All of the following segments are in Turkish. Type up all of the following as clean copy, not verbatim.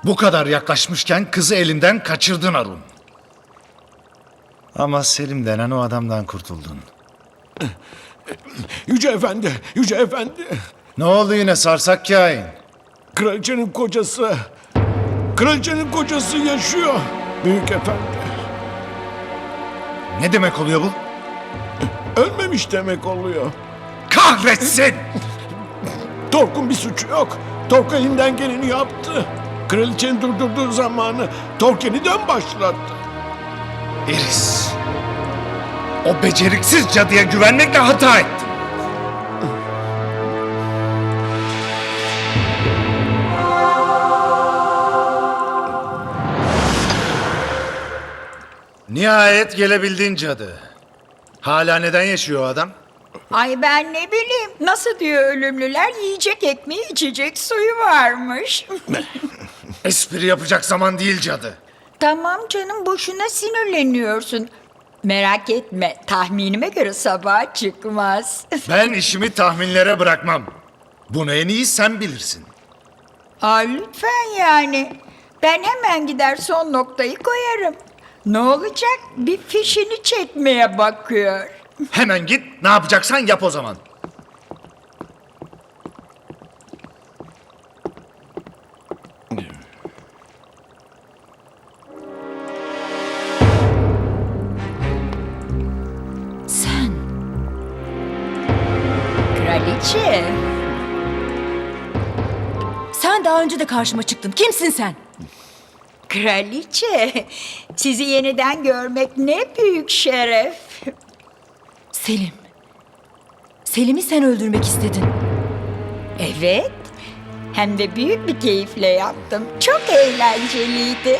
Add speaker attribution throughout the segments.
Speaker 1: Bu kadar yaklaşmışken kızı elinden kaçırdın Arun. Ama Selim denen o adamdan kurtuldun.
Speaker 2: Yüce Efendi, Yüce Efendi.
Speaker 1: Ne oldu yine sarsak kain?
Speaker 2: Kraliçenin kocası. Kraliçenin kocası yaşıyor. Büyük Efendi.
Speaker 1: Ne demek oluyor bu?
Speaker 2: Ölmemiş demek oluyor.
Speaker 1: Kahretsin!
Speaker 2: Tork'un bir suçu yok. Tork elinden geleni yaptı. Kraliçenin durdurduğu zamanı Tork yeniden başlattı.
Speaker 1: Iris. O beceriksiz cadıya güvenmekle hata ettin. Nihayet gelebildin cadı. Hala neden yaşıyor o adam?
Speaker 3: Ay ben ne bileyim. Nasıl diyor ölümlüler yiyecek ekmeği içecek suyu varmış.
Speaker 1: Espri yapacak zaman değil cadı.
Speaker 3: Tamam canım boşuna sinirleniyorsun. Merak etme tahminime göre sabaha çıkmaz.
Speaker 1: Ben işimi tahminlere bırakmam. Bunu en iyi sen bilirsin.
Speaker 3: Aa, lütfen yani. Ben hemen gider son noktayı koyarım. Ne olacak? Bir fişini çekmeye bakıyor.
Speaker 1: Hemen git, ne yapacaksan yap o zaman.
Speaker 3: Sen. Kraliçe.
Speaker 4: Sen daha önce de karşıma çıktın. Kimsin sen?
Speaker 3: Kraliçe. Sizi yeniden görmek ne büyük şeref.
Speaker 4: Selim. Selim'i sen öldürmek istedin.
Speaker 3: Evet. Hem de büyük bir keyifle yaptım. Çok eğlenceliydi.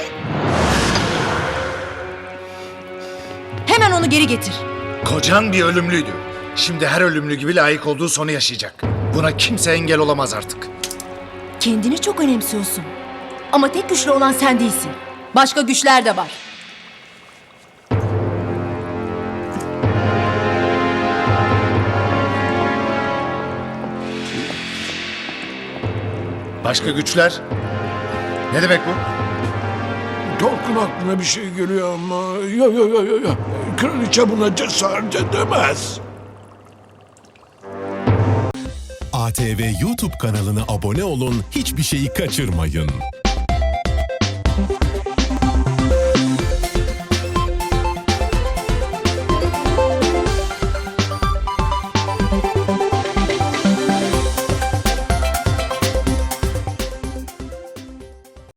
Speaker 4: Hemen onu geri getir.
Speaker 1: Kocan bir ölümlüydü. Şimdi her ölümlü gibi layık olduğu sonu yaşayacak. Buna kimse engel olamaz artık.
Speaker 4: Kendini çok önemsiyorsun. Ama tek güçlü olan sen değilsin. Başka güçler de var.
Speaker 1: Başka güçler? Ne demek bu?
Speaker 2: Tork'un aklına bir şey geliyor ama... Yo. Kraliçe buna cesaret edemez.
Speaker 5: ATV YouTube kanalına abone olun, hiçbir şeyi kaçırmayın.